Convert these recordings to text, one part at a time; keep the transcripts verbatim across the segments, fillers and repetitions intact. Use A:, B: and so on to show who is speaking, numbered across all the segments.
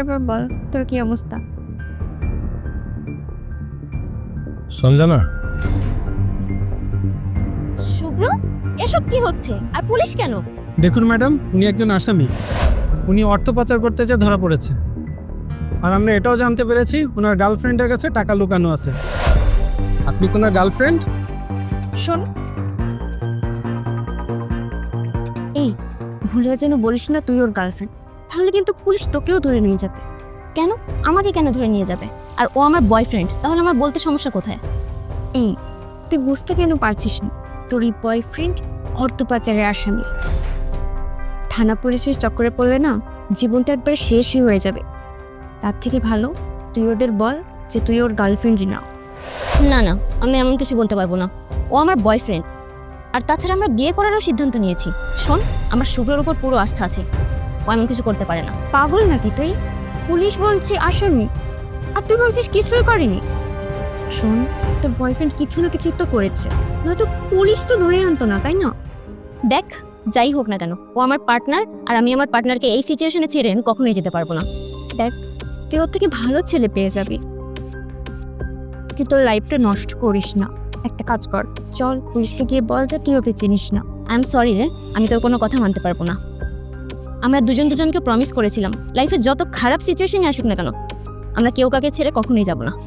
A: তারপর বল তোর কি অবস্থা?
B: সঞ্জনা,
C: শুভ্র, এসব কি হচ্ছে? আর পুলিশ কেন?
D: দেখুন ম্যাডাম, উনি একজন আসামি। উনি অর্থ পাচার করতে যেয়ে ধরা পড়েছে। আর আমরা এটাও জানতে পেরেছি ওনার গার্লফ্রেন্ডের কাছে টাকা লুকানো আছে। আপনি কি ওনার গার্লফ্রেন্ড?
A: শোন, এই ভুলে যেন বলিস না তুই ওর গার্লফ্রেন্ড, তাহলে কিন্তু পুলিশ তোকেও ধরে নিয়ে যাবে।
C: কেন? আমাকে কেন ধরে নিয়ে যাবে? আর ও আমার বয়ফ্রেন্ড, তাহলে আমার বলতে সমস্যা কোথায়?
A: এই তুই বুঝতে কেন পারছিস না? তোর এই বয়ফ্রেন্ড অর্থ পাচারের আসামি। থানা পুলিশের চক্করে পড়লে না জীবনটা একবার শেষই হয়ে যাবে। তার থেকে ভালো তুই ওদের বল যে তুই ওর গার্লফ্রেন্ডই না।
C: না না, আমি এমন কিছু বলতে পারবো না। ও আমার বয়ফ্রেন্ড। আর তাছাড়া আমরা বিয়ে করারও সিদ্ধান্ত নিয়েছি। শোন, আমার শুভ্রর উপর পুরো আস্থা আছে। ও এমন কিছু করতে পারে না।
A: পাগল নাকি তুই? পুলিশ বলছে আসামি, আর তুই বলছিস কিছুই করেনি। শোন, তোর বয়ফ্রেন্ড কিছু না কিছু তো করেছে, নয়তো পুলিশ তো ধরে আনতো না, তাই না?
C: দেখ, যাই হোক না কেন, ও আমার পার্টনার। আর আমি আমার পার্টনারকে এই সিচুয়েশনে ছেড়ে কখনোই যেতে পারবো না।
A: দেখ, তুই ওর থেকে ভালো ছেলে পেয়ে যাবি। তুই তোর লাইফটা নষ্ট করিস না। একটা কাজ কর, চল পুলিশকে গিয়ে বল যে তুই ওকে চিনিস না।
C: আই এম সরি রে, আমি তোর কোনো কথা মানতে পারবো না। আমরা দুজন দুজনকে প্রমিস করেছিলাম লাইফে যত খারাপ সিচুয়েশনই আসুক না কেন, আমরা কেউ কাকে ছেড়ে কখনোই যাব না।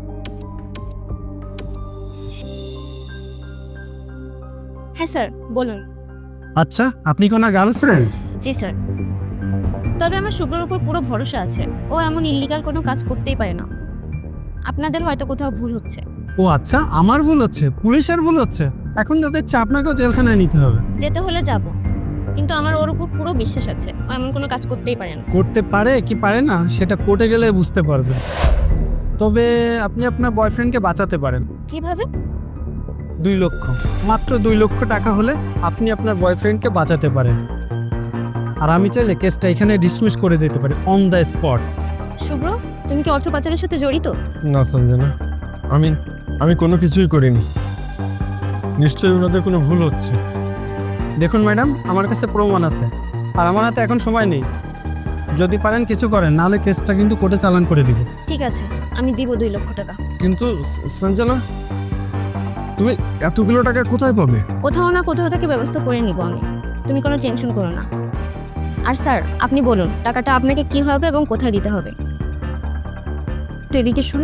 C: হ্যাঁ স্যার, বলুন।
D: আচ্ছা, আপনি কি ওনার গার্লফ্রেন্ড?
C: জি স্যার। তবে আমার শুভ্রর উপর পুরো ভরসা আছে। ও এমন ইলিগাল কোনো কাজ করতেই পারে না। আপনাদের হয়তো কোথাও ভুল হচ্ছে।
D: ও আচ্ছা, আমার ভুল হচ্ছে? পুলিশের ভুল হচ্ছে? এখন তো দেখছি আপনাকেও জেলখানায় নিতে হবে।
C: যেতে হলে যাব, কিন্তু আমার ওর উপর পুরো বিশ্বাস আছে। ও এমন কোনো কাজ করতেই পারে না।
D: করতে পারে কি পারে না সেটা কোর্টে গেলে বুঝতে পারবেন। তবে আপনি আপনার বয়ফ্রেন্ডকে বাঁচাতে পারেন।
C: কিভাবে?
D: দুই লক্ষ, মাত্র দুই লক্ষ টাকা হলে আপনি আপনার বয়ফ্রেন্ডকে বাঁচাতে পারেন। আর আমি চাইলে কেসটা এখানে ডিসমিস করে দিতে পারি অন দ্য স্পট।
C: শুভ্র, তুমি কি অর্থ পাচারের সাথে জড়িত?
B: না সঞ্জনা, আমি আমি কোনো কিছুই করিনি। নিশ্চয়ই ওনাদের কোনো ভুল হচ্ছে।
D: দেখুন ম্যাডাম, আমার কাছে প্রমাণ আছে, আর আমার হাতে এখন সময় নেই। যদি পারেন কিছু করেন, নাহলে কেসটা কিন্তু কোর্টে চালান করে দিব।
C: ঠিক আছে, আমি দিব দুই লক্ষ টাকা।
B: কিন্তু স- সঞ্জনা, তুমি এতগুলো টাকা কোথায় পাবে?
C: কোথাও না কোথাও থেকে ব্যবস্থা করে নিব আমি। তুমি কোনো টেনশন করো না। আর স্যার, আপনি বলুন টাকাটা আপনাকে কি হবে এবং কোথায় দিতে হবে?
A: তুই এদিকে শুন।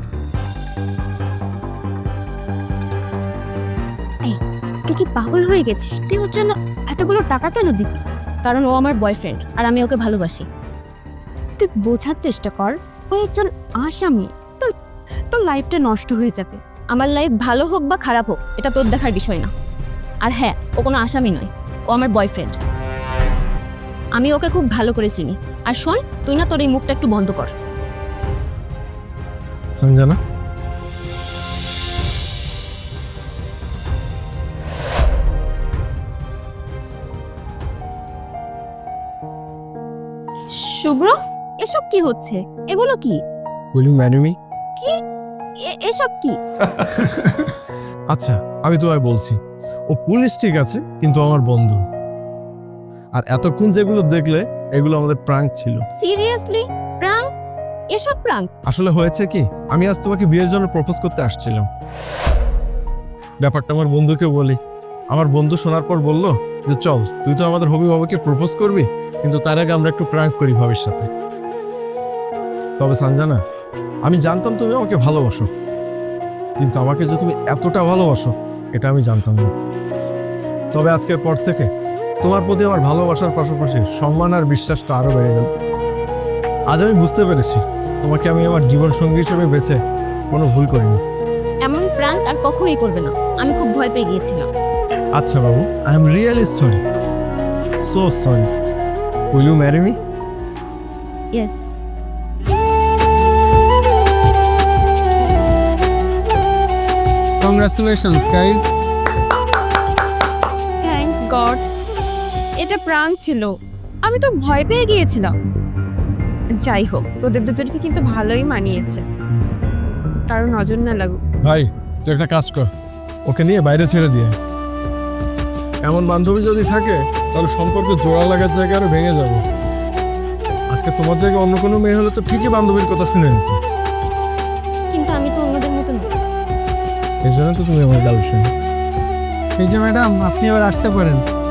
A: এই, তুই কি পাগল হয়ে গেছিস? তুই ওর জন্য এতগুলো টাকা কেন দিবি?
C: কারণ ও আমার বয়ফ্রেন্ড আর আমি ওকে ভালোবাসি।
A: তুই বোঝার চেষ্টা কর, ও একজন আসামি। তোর তোর লাইফটা নষ্ট হয়ে যাবে।
C: আমার লাইফ ভালো হোক বা খারাপ হোক, এটা তোর দেখার বিষয় না। আর হ্যাঁ, ও কোনো আসামি নয়, ও আমার বয়ফ্রেন্ড। আমি ওকে খুব ভালো করে চিনি। আর শোন, তুই না তোর এই মুখটা একটু বন্ধ কর।
B: সঞ্জনা,
C: শুভ্র, এসব কি হচ্ছে? এগুলো কি?
B: Will you marry me?
C: এ- এসব কি?
B: আচ্ছা, আমি তোমায় বলছি, ও পুলিশ ঠিক আছে, কিন্তু আমার বন্ধু। আর এতক্ষণ যেগুলো দেখলে, এগুলো আমাদের প্রাঙ্ক ছিল।
C: সিরিয়াসলি? প্রাঙ্ক? এসব প্রাঙ্ক?
B: আসলে হয়েছে কি, আমি আজ তোমাকে বিয়ের জন্য প্রপোজ করতে আসছিলাম। ব্যাপারটা আমার বন্ধুকে বলি। আমার বন্ধু শোনার পর বলল যে চল, তুই তো আমাদের হবি বাবাকে প্রপোজ করবি, কিন্তু তার আগে আমরা একটু প্রাঙ্ক করি ভাবির সাথে। তবে সঞ্জনা, আমি জানতাম তুমি আমাকে ভালোবাসো, কিন্তু আমাকে যে তুমি এতটা ভালোবাসো এটা আমি জানতাম না। তবে আজকের পর থেকে তোমার প্রতি আমার ভালোবাসার পাশাপাশি সম্মান আর বিশ্বাসটা আরো বেড়ে গেল। আজ আমি বুঝতে পেরেছি তোমাকে আমি আমার জীবন সঙ্গী হিসেবে বেছে কোনো ভুল করিনি।
C: এমন প্রাঙ্ক আর কখনোই করবে না। আমি খুব ভয় পেয়ে গিয়েছিলাম।
B: আচ্ছা বাবু, I am really sorry, so sorry. Will you marry me?
A: Yes.
D: Congratulations guys.
A: Thanks god, এটা প্রাঙ্ক ছিল। আমি তো ভয় পেয়ে গিয়েছিলাম। যাই হোক, তোদের দুজনকে কিন্তু ভালোই মানিয়েছে, কারণ নজর না লাগুক।
B: ভাই, তুই একটা কাজ কর, ওকে নিয়ে বাইরে ছেড়ে দিয়ে। এমন বান্ধবী যদি থাকে তাহলে সম্পর্ক জোড়া লাগার জায়গায় আরো ভেঙে যাবে। আজকে তোমার জায়গায় অন্য কোনো মেয়ে হলে তো ঠিকই বান্ধবীর কথা শুনে নিত।
C: কিন্তু আমি তো অন্যদের মতো নই।
B: এই জন্য তো তুমি আমার গার্লফ্রেন্ড।
D: এই যে ম্যাডাম, আপনি এবার আসতে পারেন।